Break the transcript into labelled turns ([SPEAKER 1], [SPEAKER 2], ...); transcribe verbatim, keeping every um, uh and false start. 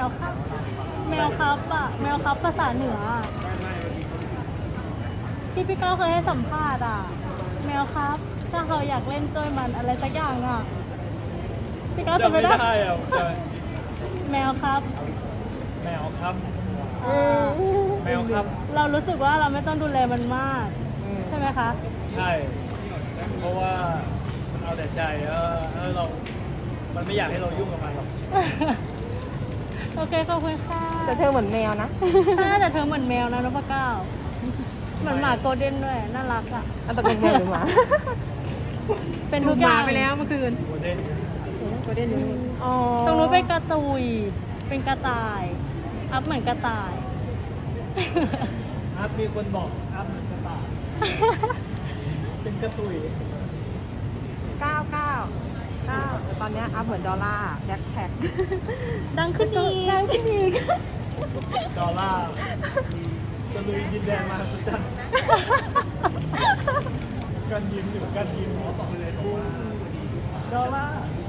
[SPEAKER 1] ครับ แมวครับอะแมวครับภาษาเหนืออะที่พี่ก้าวเคยให้สัมภาษณ์อะแมวครับ ถ้าเขาอยากเล่นด้วยมันอะไรสักอย่างอะพี่ก้าวจะไม่ได้
[SPEAKER 2] จำไม่ได้อะจ
[SPEAKER 1] แมวครับ
[SPEAKER 2] ำแมวครับ
[SPEAKER 1] อ่า
[SPEAKER 2] แมวครับ
[SPEAKER 1] เรารู้สึกว่าเราไม่ต้องดูแลมันมาก ใช่ไหมคะ
[SPEAKER 2] ใช่ เพราะว่ามันเอาแต่ใจเออเออเรา มันไม่อยากให้เรายุ่งกับมันหรอก
[SPEAKER 1] โอเคขอบคุณค่ะ
[SPEAKER 3] แต่เธอเหมือนแมวนะ
[SPEAKER 1] ใช่แต่เธอเหมือนแมวนะนพเก้าเหมือนหมาโกลเด้นด้วย น่ารักอ่ะ
[SPEAKER 3] อันตกลงแมวหรือหมา
[SPEAKER 1] เป็นทุกอย่าง
[SPEAKER 3] ไปแล้วเมื่อคืน
[SPEAKER 2] โมเดล
[SPEAKER 3] โกลเด้นอยู่นี่อ๋อ
[SPEAKER 1] ตรงนู้นเป็นกระตุย เป็นกระต่าย อัพเหมือนกระต่าย
[SPEAKER 2] อัพมีคนบอกอัพมันกระต่ายเป็นกระตุย
[SPEAKER 3] เก้าเก้าเก้าตอนเนี้ยอัพเหมือนดอลลาร์แบ็คแพ็ค
[SPEAKER 1] ดังขึ้นอีก
[SPEAKER 3] ดังขึ้นอีก
[SPEAKER 2] ดอลลาร์ตะลุยดินแดนมาสุดจันกันยิ้มอยู่กันยิ้มหมอบอกเลยว่าดอลลาร์